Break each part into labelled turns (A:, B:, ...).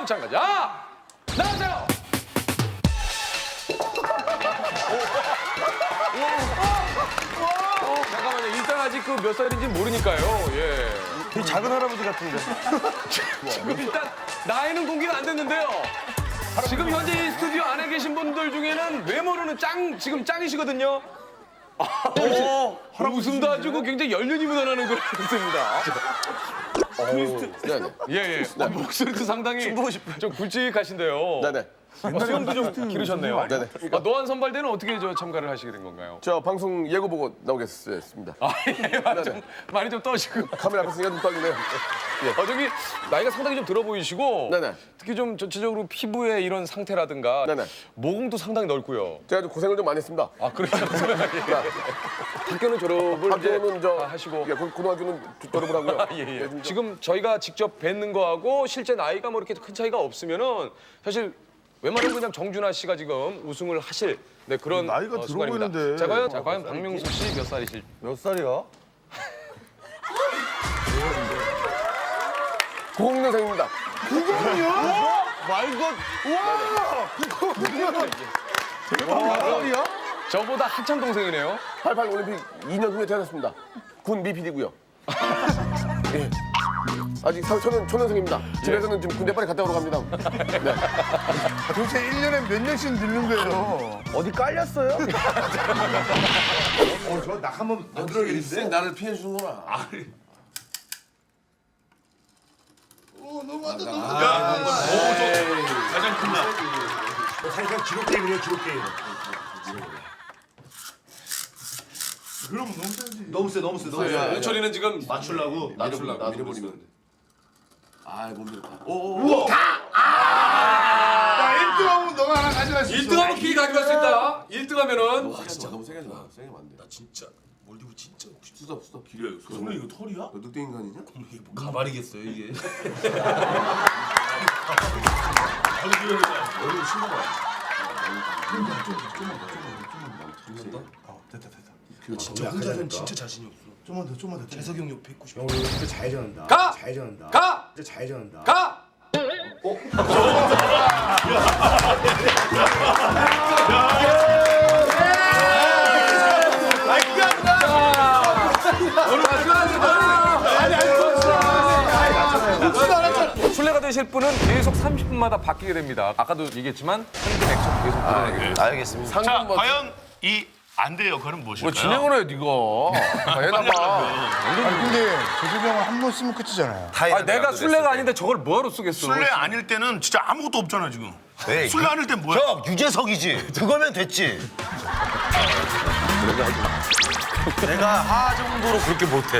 A: 마찬가지. 아! 나오세요! 잠깐만요. 일단 아직 그 몇 살인지 모르니까요. 예.
B: 이 작은 할아버지 같은데.
A: 지금 일단 나이는 공개가 안 됐는데요. 지금 현재 이 스튜디오 안에 계신 분들 중에는 외모로는 지금 짱이시거든요. 웃음도 아주 굉장히 연륜이 묻어나는 그런 웃음입니다.
C: 네네.
A: 예. 목소리도 상당히 좀 굵직하신데요.
C: 네네.
A: 수염도 좀 기르셨네요.
C: 네네.
A: 노안 선발대는 어떻게 참가를 하시게 된 건가요?
C: 저 방송 예고 보고 나오겠습니다.
A: 예, 많이 좀 떠시고.
C: 카메라 앞에 있으니까 좀 떨리네요.
A: 저기 나이가 상당히 좀 들어 보이시고
C: 네네.
A: 특히 좀 전체적으로 피부의 이런 상태라든가
C: 네네.
A: 모공도 상당히 넓고요.
C: 제가 좀 고생을 좀 많이 했습니다.
A: 아 그래요? 학교는 졸업을
C: 학교는
A: 이제 다 하시고
C: 예, 고등학교는 졸업을 하고요.
A: 예. 지금 저희가 직접 뵙는 거하고 실제 나이가 뭐 이렇게 큰 차이가 없으면은 사실 웬만하면 그냥 정준하 씨가 지금 우승을 하실 그런
B: 나이가 들어
A: 순간입니다.
B: 보이는데.
A: 자, 과연 박명수 씨 몇 살이실?
B: 몇 살이야?
C: 90년생입니다.
B: 말도 우와!
A: 저보다 한참 동생이네요.
C: 88 올림픽 2년 후에 태어났습니다. 군 미필이고요. 예. 아직 초년생입니다. 집에서는 지금 군대 빨리 갔다 오러 갑니다. 네.
B: 도대체 1년에 몇 년씩 늙는 거예요? 어디 깔렸어요? 저낙 한번 더 들어야겠는데?
C: 나를 피해 주는구나.
D: 가장 큰 날. 사실상 기록 게임이에요, 기록 게임. 그럼 너무 세지. 너무 세, 너무 세, 너무 세.
A: 윤철이는 지금
D: 맞추려고.
C: 밀어버리면. 아, 못 밀었다.
B: 야, 1등하면 너가 하나 가져갈 수 있어.
A: 1등하면 키 가져갈 수 있다. 1등하면은
C: 와, 진짜 너무 세게 하지 마. 세게 하면 안 돼.
D: 나 진짜 몰디브 진짜 먹고 싶어.
C: 수다.
D: 길이야, 이거. 손에 이거 털이야?
C: 너 늑대 인간이냐?
D: 이게 뭐 가발이겠어요, 이게. 진짜 혼자서는 진짜 자신이 없어.
B: 좀만 더.
D: 재석이 형 옆에 있고 싶어.
E: 형 진짜 잘 전한다.
A: 가!
E: 잘 전한다.
A: 가!
E: 진짜 잘 전한다.
A: 가! 술래가 되실 분은 계속 30분마다 바뀌게 됩니다. 아까도 얘기했지만 한분 액션 계속 늘어나게 됩니다.
B: 알겠습니다.
D: 자, 과연 이 안 돼 역할은 무엇일까요?
A: 진행을 해, 네가. 해놔봐.
B: 아니 근데 재석이 형은 한 번 쓰면 끝이잖아요.
A: 아, 내가 술래가 아닌데 저걸 뭐하러 쓰겠어?
D: 술래 아닐 때는 진짜 아무것도 없잖아 지금.
F: 네,
D: 술래 아닐 땐 뭐야?
F: 형 유재석이지. 그거면 됐지. 내가 하 정도로 그렇게 못해.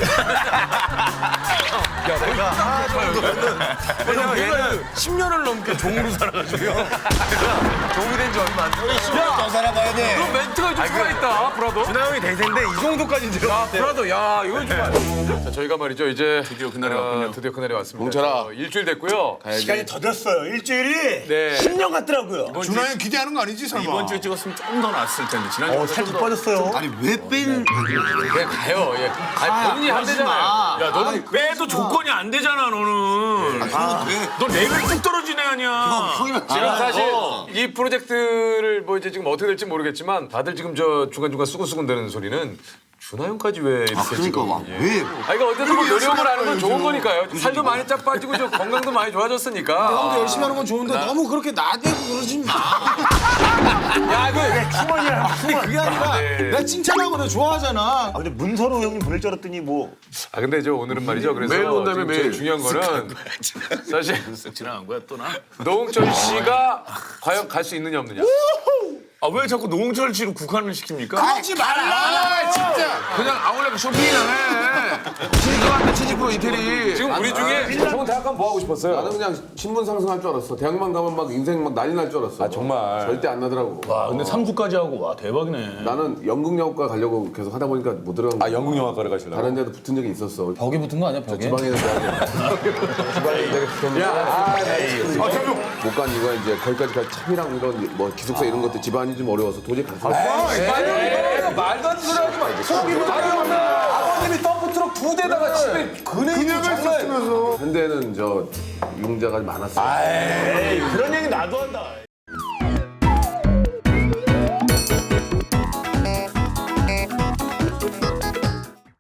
F: 내가 하 정도면은 왜냐면 얘는 10년을 넘게 종으로 살아가지고 종이 된 지 얼마 안 돼. 10년 더 살아봐야 돼.
A: 그럼 멘트가 좀 살아있다, 브라더.
F: 준하 형이 대세인데 이 정도까지 제가
A: 야, 브라더, 야, 이거 좀. 자, 저희가 말이죠, 이제. 드디어 그날이 왔군요. 드디어 그날이 왔습니다.
C: 뭉쳐라.
A: 일주일 됐고요.
F: 시간이 더 됐어요. 일주일이
A: 네.
F: 10년 같더라고요.
B: 준하 형 기대하는 거 아니지 설마?
D: 이번 주에 찍었으면 조금 더 나았을 텐데 지난주에
F: 살짝 빠졌어요.
D: 아니 왜 뺀?
A: 그냥 가요, 예. 아니, 본인이 한대잖아요. 야, 너는
D: 빼도 조건이 안 되잖아 너는. 너 레벨 뚝 떨어지네 아니야.
A: 지금 사실 이 프로젝트를 뭐 이제 지금 어떻게 될지 모르겠지만 다들 지금 저 중간중간 수근수근 되는 소리는 준하 형까지 왜 이렇게 지금 왜? 아 이거 어쨌든 뭐 노력을 하는 건 좋은 거니까요. 살도 많이 쫙 빠지고 저 건강도 많이 좋아졌으니까.
E: 형도 열심히 하는 건 좋은데 너무 그렇게 나대고 그러지 마.
A: 야 이거
E: 충원이야. 근데 그게 아니라
A: 네.
E: 내가 칭찬하고 너 좋아하잖아.
F: 아 근데 문서로 형님 보낼 줄 알았더니 뭐
A: 아 근데 저 오늘은 말이죠. 그래서
C: 매일 온다며,
A: 지금
C: 매일.
A: 제일 중요한 거는 사실
D: 지나간 거야 또 나?
A: 노홍철 씨가 과연 갈 수 있느냐 없느냐.
D: 아 왜 자꾸 노홍철 씨로 국한을 시킵니까?
E: 하지 말라. 진짜.
C: 그냥 아울렛 쇼핑이나 해. 치즈한테 치즈프로 이태리.
A: 지금 우리 중에 좋은 대학 가면 뭐 하고 싶었어요?
C: 나는 그냥 신분 상승할 줄 알았어. 대학만 가면 막 인생 막 난리 날 줄 알았어.
A: 아 정말.
C: 절대 안 나더라고.
D: 아 근데 3주까지 하고 와 대박이네.
C: 나는 연극영화과 가려고 계속 하다 보니까 못 들어간 거야.
A: 아 연극영화과를 가시려고?
C: 다른 데도 붙은 적이 있었어.
E: 벽에 붙은 거 아니야 벽에?
C: 지방에 있는 대학에. 지방에 있는 데가 붙었는데 못 간 이유가 이제 거기까지 갈 차비랑 이런 뭐 기숙사 이런 것들 집안이 좀 어려워서 도저히 갈 수가 없어.
A: 내가 말도 안 되는 소리 하지 마. 속이면 아버님이 덤프트럭 2대다가 집에
B: 그녀를 썼으면서.
C: 현대는 저 융자가 많았어요.
F: 그런 얘기 나도 한다.